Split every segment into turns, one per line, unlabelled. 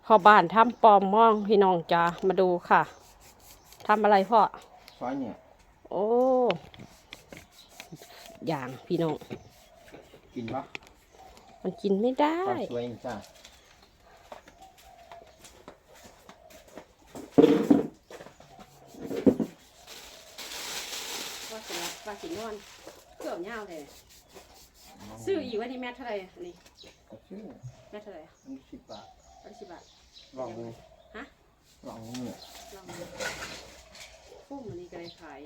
พ่อบ้านทำปอมม่องพี่น้องจ้ามาดูค่ะทำอะไรพ่อ
ซอยเนี่ย
โอ้อย่างพี่น้อง
กินปะ
มันกินไม่ได้
สวยจ้า
ว่าสิว่าสินอนเกือบเงาเลยซื้ออีกว่านี่แม่เท่าไหร่นี่แม่เท่าไหร่
10 บาท
10 บาท
ลองดู
ฮะ
ลองเนี่ย
ลองดูพุ่มอันนี้ก็ได้ขาย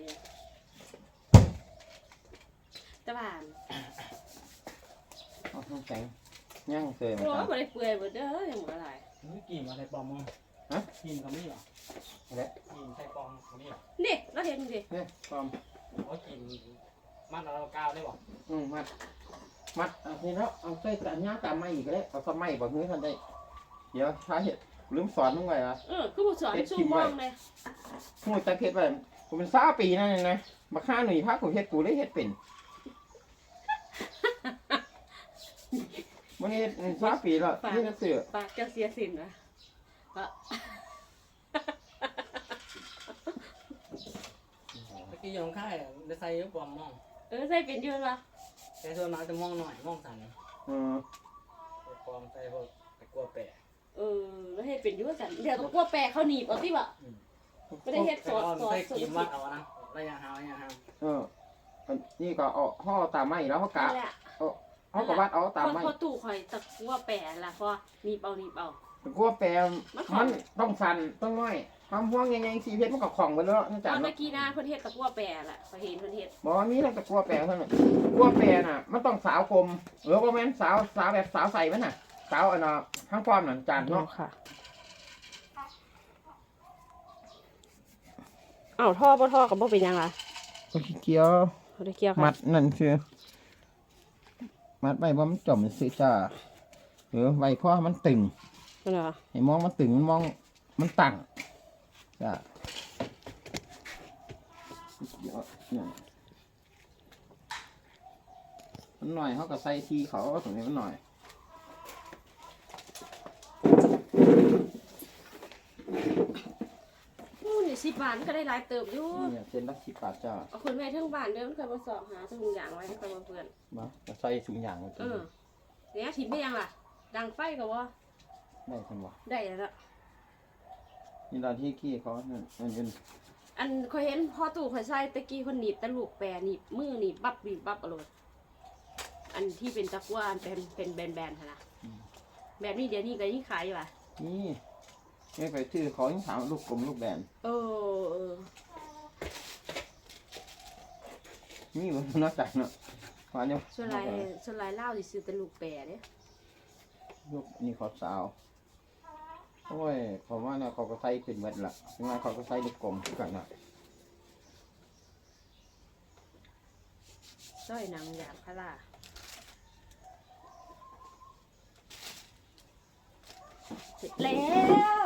ตะบาน
เอาแข็งย่างเคย
โอ้ยบ่ได้เปื่อยบ่เด้อยังบ่อะไร
นี่กินอะไรปลอมมั้ง
ฮะ
กินเขาไม่หรอ
อะไร
กินใส่ปลอมเขาไม่หรอ
นี่เราเห็นดิ
เนี่ยปลอม
ว่ากินมันเราก้าวได้บ่
มัดอันนี้แล้วเอาใส่ตาหน้าตาไม้อีกแล้วเอาก็ไม้บ่เฮ้ยท่านได้เดี๋ยวท้าเห็ดลืมสอนมึงไว้อะ
คือผู้สอนสู้มองเลย
พูดตะเพ็ดไปกูเป็น20 ปีนั่นเองนะมาฆ่าหนุ่ยพากูเฮ็ดกูได้เฮ็ดเป็นวันนี้20 ปีแล้วนี่ก็เสือ
ปากเจ้าเสียสินนะ
เมื่อกี้ยังค่ายได้ใส่ปลอมมอง
ใส่เป็นยืนวะ
ใส่ส่วนมากจะมองหน่อยมองสั่นปลอมใส่พวกตะกั่วแปะ
แล้วให้เป็นยืนสั่นเดี๋ยวตะกั่วแปะเขาหนีบเอาที่วะไม่ได้เฮ็ดสด
ใส่กินวัดเอานะระยะห่าง
นี่ก็เอาห่อตามไม้แล้วเขากะเขาก็วัดเอาตามไม้
พอตู่คอยตะกั่วแปะล่ะพอหนีบเอา
ตะกั่วแปะมันต้องสั่นต้องน้อยความห่วงยังไงสีเพชรมันก็ของไปแล้วนะจ๊ะ
เมื่อกี้นะเพื่อนเฮ็ดตะกั่วแปะล่ะเขาเห็นเพื่อนเฮ็ด
บอกนี้ต้องตะกั่วแปะเท่านั้นกั่วแปะน่ะมันต้องสาวคมหรือว่าแม่นสาวแบบสาวใส่มันน่ะสาวอันน่ะทั้งป้อมน่ะจานเนาะ
ค่ะท่อบ่ท่อกับบ่เป็นยังไง
ก็เกี่ยวมัดนั่นคือมัดไว้ว่ามันจ่อมซื้อจ้าหรือไว้เพราะมันตึงให้มองมันตึงมองมันตั้งจ้ามันหน่อยเขาก็ใส่ทีเขาตรงนี้มันหน่อย
10 บาทก็ได้หลายเติบอยู่
เนี่ยเส้นละ10 บาทจ้า
เอาคนแม่ทั้งบ้านเดิมเคยมาสอบหาถุงยางไว้ให้กับเพื่อน
มาใส่ถุงยาง
เนี่ยถิ่นไม่ยังล่ะดังไฟกับว่า
ได้ทันวะ
ได้แล้ว
นี่ตอนที่ขี้เขาเนี่ย
อันเคยเห็นพ่อตู่เคยใส่ตะกี้คนหนีบตะลูกแปรหนีบมือหนีบบับอร่อยอันที่เป็นตะกั่วเป็นแบนๆนะแบบนี้เดี๋ยวนี้ก็ยิ่งขายอยู่ป่ะ
นี่ไม่ไปชื่อเขายิ่งถามลูกกลมลูกแบนนี่มันน่าใจเนาะว่าเนี่ย
ส่วนลายเล่าสิซื้อตะลูกแปรเนี่ย
ลูกนี่ขอบสาวโอ้ยผมว่าเนี่ยเขาก็ใส่เป็นเม็ดละยังไงเขาก็ใส่ลูกกลมกันนะ
สร้อยนางยางพาราเสร็จแล้ว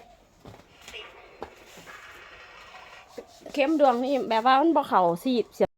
เข้มดวงนี่แบบว่ามันบ่เข่าสีด